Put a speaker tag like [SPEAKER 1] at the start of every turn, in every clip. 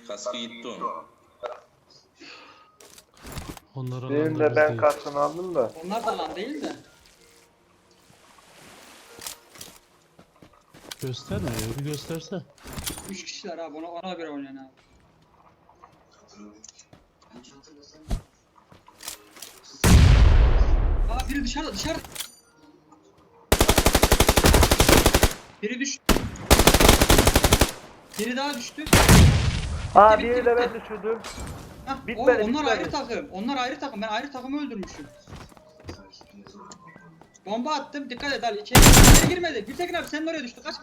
[SPEAKER 1] Kaskı gitti onun.
[SPEAKER 2] Onlara
[SPEAKER 3] Benim de ben kaskını aldım da.
[SPEAKER 4] Onlar da lan değil de.
[SPEAKER 2] Göstermiyor ya, bir gösterse.
[SPEAKER 4] 3 kişiler abi, ona göre oynayın abi. Aa, biri dışarıda. Biri düştü. Biri daha düştü.
[SPEAKER 3] Ha
[SPEAKER 4] bitti,
[SPEAKER 3] biri de
[SPEAKER 4] bitti.
[SPEAKER 3] ben düşürdüm.
[SPEAKER 4] Hah,
[SPEAKER 3] Bitmedi,
[SPEAKER 4] onlar
[SPEAKER 3] bitmedi.
[SPEAKER 4] ayrı takım. Onlar ayrı takım. Ben ayrı takımı öldürmüşüm. Bomba attım. Dikkat et Ali. İçeri girmedi. Gültekin abi senin oraya düştü. Kaç.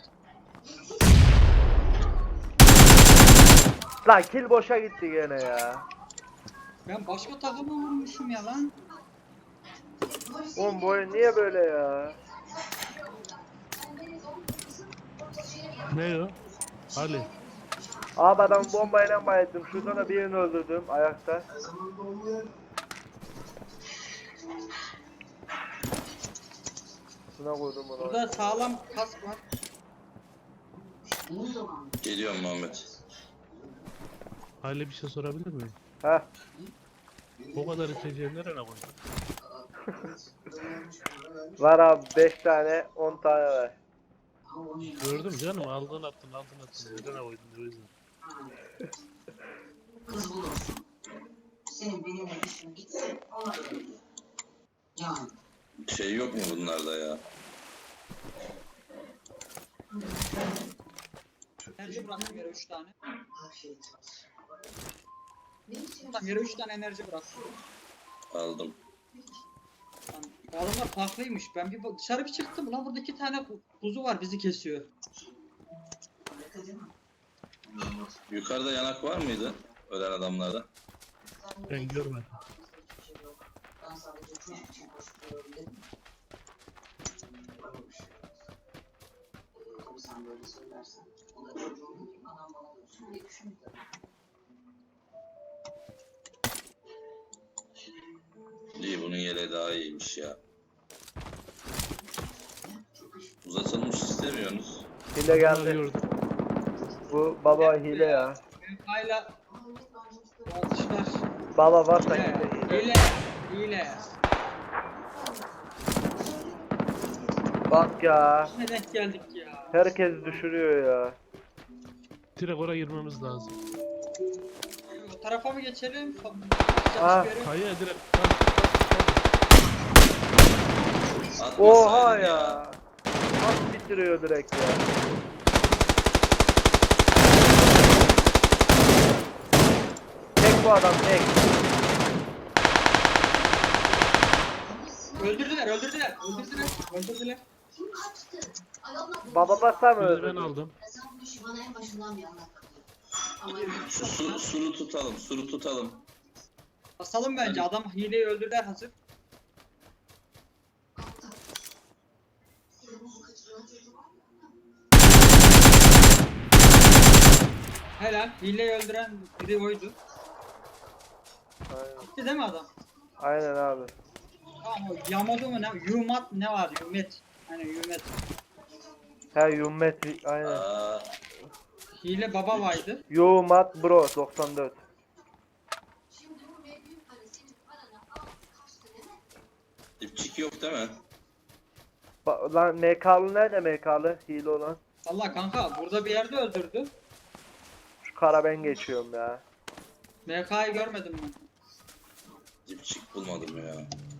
[SPEAKER 3] Lan kill boşa gitti gene ya.
[SPEAKER 4] Ben başka takımı vurmuşum ya lan.
[SPEAKER 3] Oğlum bu oyun niye böyle ya?
[SPEAKER 2] Ne o? Ali.
[SPEAKER 3] Abi adam bombayla bayıldım. Şuradan da birini öldürdüm ayakta. Şuna koydum bunu.
[SPEAKER 4] Burada sağlam kask var.
[SPEAKER 1] Geliyorum Muhammed.
[SPEAKER 2] Ali bir şey sorabilir miyim?
[SPEAKER 3] Heh.
[SPEAKER 2] O kadar içeceği nereye koydun?
[SPEAKER 3] Var abi 5 tane 10 tane var.
[SPEAKER 2] Gördüm canım, aldın attın. Nereye koydun o yüzden.
[SPEAKER 5] Kız bulursun. Senin benimle işin gitsin, ona göre. Yani.
[SPEAKER 1] Şey yok mu bunlarda ya?
[SPEAKER 4] Enerji bıraktım yere 3 tane.
[SPEAKER 5] Afiyet olsun.
[SPEAKER 4] Tamam, yere 3 tane enerji bıraktım.
[SPEAKER 1] Aldım.
[SPEAKER 4] Lan, bu adamlar farklıymış. Ben dışarı bir çıktım. Lan burada 2 tane kuzu var, bizi kesiyor.
[SPEAKER 1] Yukarıda yanak var mıydı? Ölen adamlarda.
[SPEAKER 2] Ben görmedim.
[SPEAKER 5] Ben sadece çocuk için koşturuyorum dedim. Tabii sen böyle söylersen. O da çocuğum değil, anam bana dönsün diye düşündüm.
[SPEAKER 1] İyi, bunun yeleği daha iyiymiş ya. Uzatılmış istemiyorsunuz.
[SPEAKER 3] Hile geldi.
[SPEAKER 2] Arıyordum.
[SPEAKER 3] Bu baba hile ya.
[SPEAKER 4] Hala atışlar.
[SPEAKER 3] Baba varsa
[SPEAKER 4] Hile.
[SPEAKER 3] hile.
[SPEAKER 4] Hile.
[SPEAKER 3] Bak ya.
[SPEAKER 4] Ne denk geldik ya.
[SPEAKER 3] Herkes düşürüyor ya.
[SPEAKER 2] Direkt oraya girmemiz lazım.
[SPEAKER 4] O tarafa mı geçelim?
[SPEAKER 3] Ah,
[SPEAKER 2] Kayaya direkt.
[SPEAKER 3] Oha
[SPEAKER 1] Atmasaydın
[SPEAKER 3] ya. Nasıl bitiriyor direkt ya. Tek bu adam tek.
[SPEAKER 4] Öldürdüler.
[SPEAKER 5] Kim kaçtı? Ay Allah korusun.
[SPEAKER 3] Baba basa mı
[SPEAKER 2] Birini ben
[SPEAKER 3] öldü?
[SPEAKER 2] aldım.
[SPEAKER 5] Sen bu işi bana en başından bir anlat bakayım. Ama
[SPEAKER 1] Şu suru tutalım.
[SPEAKER 4] Basalım bence. Adam hileyi öldürdüler hazır.
[SPEAKER 5] senin bu kaçırılan çocuğu var ya.
[SPEAKER 4] Helal. Hileyi öldüren biri oydu.
[SPEAKER 3] Aynen.
[SPEAKER 4] Gitti değil mi adam?
[SPEAKER 3] Aynen abi.
[SPEAKER 4] Tamam, o Yamato mu ne? Yumat ne var? Yumet. Hani Yumet.
[SPEAKER 3] He Yummet aynen.
[SPEAKER 1] Aa,
[SPEAKER 4] Hile baba vardı.
[SPEAKER 3] Yumat bro 94.
[SPEAKER 5] Şimdi bu büyük para senin paranı aldı kaçtı değil mi?
[SPEAKER 1] dipçik yok değil mi?
[SPEAKER 3] Lan MK'lı nerede MK'lı? Hile olan.
[SPEAKER 4] Allah kanka burada bir yerde öldürdü.
[SPEAKER 3] Şu kara ben geçiyorum ya.
[SPEAKER 4] MK'yı görmedim ben.
[SPEAKER 1] Dipçik bulmadım ya.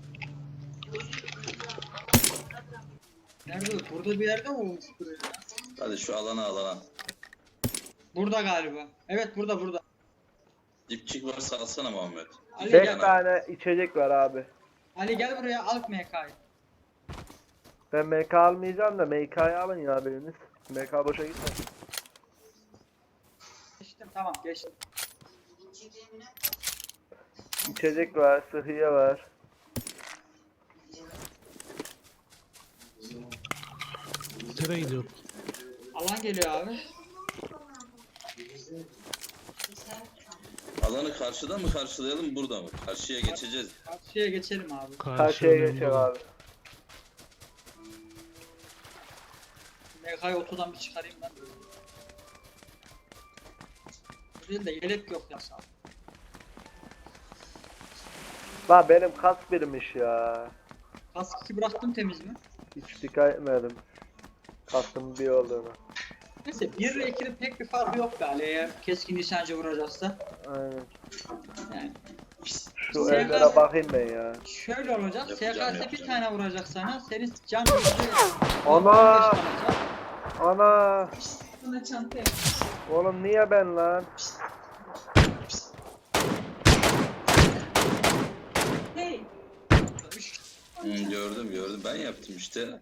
[SPEAKER 4] Nerede? Burada bir yerde mi olmuştur ya?
[SPEAKER 1] Hadi şu alana.
[SPEAKER 4] Burada galiba. Evet burada.
[SPEAKER 1] Dipçik varsa alsana Muhammed.
[SPEAKER 4] Ali
[SPEAKER 3] 5
[SPEAKER 4] gel.
[SPEAKER 3] tane içecek var abi.
[SPEAKER 4] Ali gel buraya al MK'yı.
[SPEAKER 3] Ben MK almayacağım da MK'yı alın ya biriniz. MK boşa gitmesin.
[SPEAKER 4] Geçtim tamam geçtim.
[SPEAKER 3] İçecek var, sıhhiye var.
[SPEAKER 2] Nereye gidiyor?
[SPEAKER 4] Alan geliyor abi.
[SPEAKER 1] Alanı karşıdan mı karşılayalım, burada mı? Karşıya geçeceğiz.
[SPEAKER 4] Karşıya geçelim abi.
[SPEAKER 3] Karşıya geçelim abi.
[SPEAKER 4] MK'yı otodan bir çıkarayım ben. Değil de yelek yok ya sağ ol.
[SPEAKER 3] La benim kask birmiş ya.
[SPEAKER 4] Kask 2 bıraktım temiz mi?
[SPEAKER 3] Hiç dikkat etmedim. Kaskın bir olduğunu.
[SPEAKER 4] Neyse 1 ile 2'nin pek bir farkı yok galiba eğer keskin nişancı vuracaksa.
[SPEAKER 3] Aynen.
[SPEAKER 4] Yani
[SPEAKER 3] Şu
[SPEAKER 4] Sen
[SPEAKER 3] evlere
[SPEAKER 4] kask-
[SPEAKER 3] bakayım ben ya.
[SPEAKER 4] şöyle olacak.
[SPEAKER 1] Yapacağım,
[SPEAKER 4] SKS bir
[SPEAKER 1] yapacağım.
[SPEAKER 4] tane vuracak sana. Senin can
[SPEAKER 3] Ana!
[SPEAKER 4] 15 kalacak.
[SPEAKER 3] Ana!
[SPEAKER 5] Bana çanta
[SPEAKER 3] Oğlum niye ben lan?
[SPEAKER 5] Hey.
[SPEAKER 1] Gördüm. Ben yaptım işte.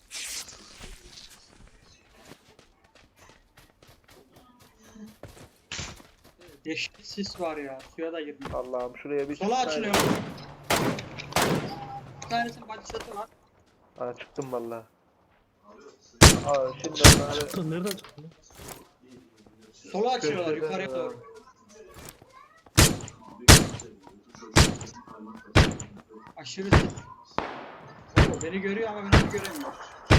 [SPEAKER 4] Dehşet sis var ya. Suya da girdim.
[SPEAKER 3] Allah'ım şuraya bir
[SPEAKER 4] Sola
[SPEAKER 3] çıksaydım.
[SPEAKER 4] açılıyor. Bir tanesinin body shot'ı var.
[SPEAKER 3] Aa çıktım valla. Aa şimdi onları
[SPEAKER 2] Çıktın nereden çıktın?
[SPEAKER 4] Sola açıyorlar
[SPEAKER 3] köşeden
[SPEAKER 4] yukarıya
[SPEAKER 3] ya.
[SPEAKER 4] doğru. Aşırı sis. Oo, beni görüyor ama beni göremiyor.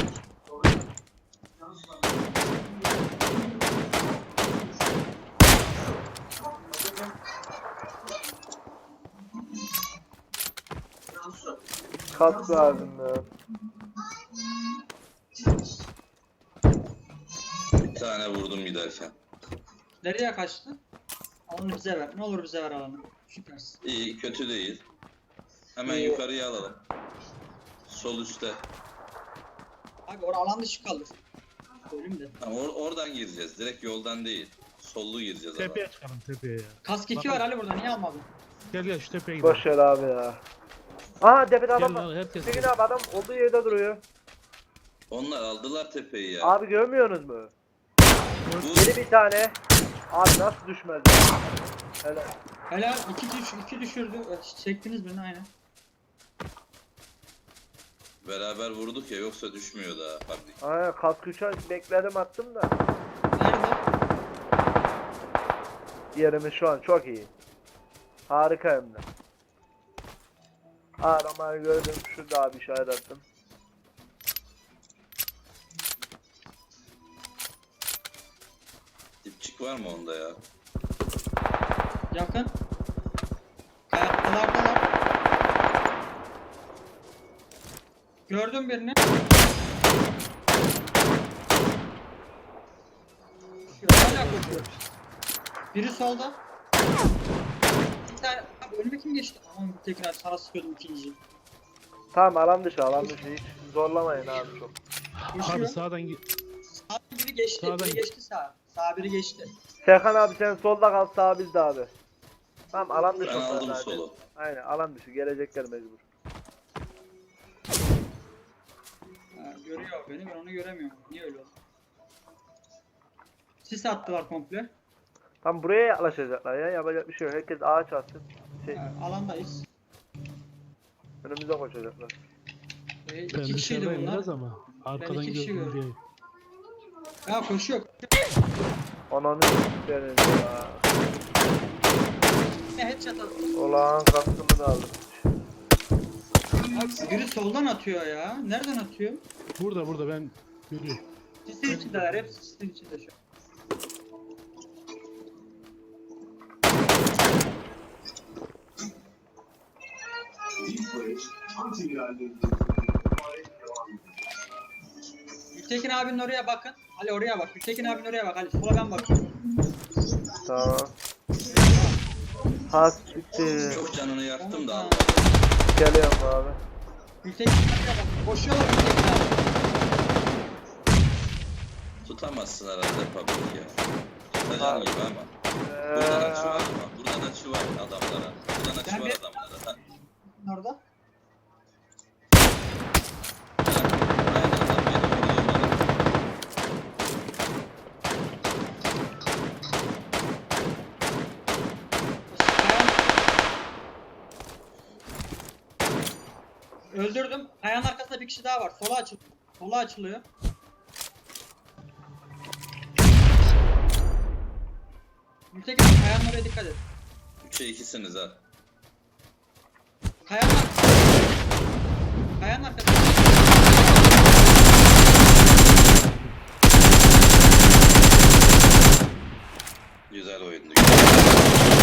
[SPEAKER 3] kask lazım ya.
[SPEAKER 1] Bir tane vurdum giderken.
[SPEAKER 4] Nereye kaçtı? Alanı bize ver. Ne olur bize ver alanı. Süpersin.
[SPEAKER 1] İyi, kötü değil. Hemen
[SPEAKER 3] İyi.
[SPEAKER 1] yukarıya alalım. Sol üstte.
[SPEAKER 4] Abi orada alan dışı kalır. Söyleyeyim de.
[SPEAKER 1] Ha, oradan gireceğiz. Direkt yoldan değil. Sollu gireceğiz ama.
[SPEAKER 2] Tepeye çıkalım tepeye ya.
[SPEAKER 4] Kask 2 var Ali burada niye almadın?
[SPEAKER 2] Gel şu tepeye gidelim.
[SPEAKER 3] Boş ver abi ya. Aa tepede
[SPEAKER 2] Gel
[SPEAKER 3] adam
[SPEAKER 2] lan
[SPEAKER 3] var.
[SPEAKER 2] herkes.
[SPEAKER 3] Tekin abi adam olduğu yerde duruyor.
[SPEAKER 1] Onlar aldılar tepeyi ya.
[SPEAKER 3] Abi görmüyorsunuz mu?
[SPEAKER 1] Bu
[SPEAKER 3] Yeni bir tane. Abi nasıl düşmez ya? Helal.
[SPEAKER 4] Helal 2 düşürdü. Çektiniz beni aynen.
[SPEAKER 1] beraber vurduk ya, yoksa düşmüyor daha. Bak,
[SPEAKER 3] Aynen kask 3'e bekledim attım da.
[SPEAKER 4] Nerede?
[SPEAKER 3] Yerimiz şu an çok iyi. Harika hem de. Aramayı gördüm. Şurada abi işaret attım.
[SPEAKER 1] dipçik var mı onda ya?
[SPEAKER 4] Yakın. Kayaktalardalar. Gördüm birini. Hala koşuyor. Biri solda. Bir tane... Abi önüme kim geçti? Aman bir tekrar sana sıkıyordum ikinciyi.
[SPEAKER 3] Tamam alan dışı hiç zorlamayın abi çok.
[SPEAKER 2] Abi
[SPEAKER 4] Koşuyor.
[SPEAKER 2] sağdan git.
[SPEAKER 4] Sağ biri geçti.
[SPEAKER 2] Sağdan
[SPEAKER 4] Biri
[SPEAKER 2] git.
[SPEAKER 4] geçti sağ. Sağ biri geçti.
[SPEAKER 3] Serkan abi sen solda kal sağ bizde abi. Tamam alan dışı
[SPEAKER 1] Ben
[SPEAKER 3] onlar
[SPEAKER 1] aldım
[SPEAKER 3] zaten.
[SPEAKER 1] solu.
[SPEAKER 3] Aynen alan dışı gelecekler mecbur.
[SPEAKER 4] Ha, görüyor beni ben onu göremiyorum. Niye öyle oldu? Sis attılar komple.
[SPEAKER 3] Tam buraya yaklaşacaklar ya yapacak bir şey yok. Herkes ağaç atsın.
[SPEAKER 4] Ha, alandayız.
[SPEAKER 3] Önümüze koşacaklar.
[SPEAKER 2] Ben
[SPEAKER 4] İki kişiydi
[SPEAKER 2] dışarıdayım
[SPEAKER 4] bunlar.
[SPEAKER 2] biraz ama. Arkadan
[SPEAKER 4] iki kişi
[SPEAKER 2] gördüm
[SPEAKER 4] gördüm.
[SPEAKER 2] diye.
[SPEAKER 4] Ya koşuyor.
[SPEAKER 3] Ananı s**erim ya.
[SPEAKER 4] Ne headshot attı.
[SPEAKER 3] Ulan kaskımı da aldım.
[SPEAKER 4] Abi biri soldan atıyor ya. Nereden atıyor?
[SPEAKER 2] Burada ben görüyorum.
[SPEAKER 4] Sisin içindeler. Hepsi sisin içinde şu an. Gültekin abinin oraya bakın. Ali oraya bak. Gültekin abinin oraya bak. Ali sola ben bakıyorum.
[SPEAKER 3] Tamam. Has bitti.
[SPEAKER 1] Çok canını yaktım da.
[SPEAKER 3] Geliyorum abi.
[SPEAKER 4] Gültekin abiye bak. Koşuyorlar Gültekin abi.
[SPEAKER 1] Tutamazsın herhalde public ya. Tutacağın gibi ama. Buradan açı var ama. Buradan açı var adamlara. Buradan açı
[SPEAKER 4] Ben
[SPEAKER 1] var
[SPEAKER 4] bir-
[SPEAKER 1] adamlara. Ha,
[SPEAKER 4] Orada.
[SPEAKER 1] aynen adam beni vuruyor bana.
[SPEAKER 4] Öldürdüm. Kayanın arkasında bir kişi daha var. Sola açılıyor. Sola açılıyor. Gültekin abi kayanın oraya dikkat et.
[SPEAKER 1] 3'e 2'siniz ha.
[SPEAKER 4] Kayanın arkasında. Kayanın arkasında.
[SPEAKER 1] Güzel oyundu. Güzel.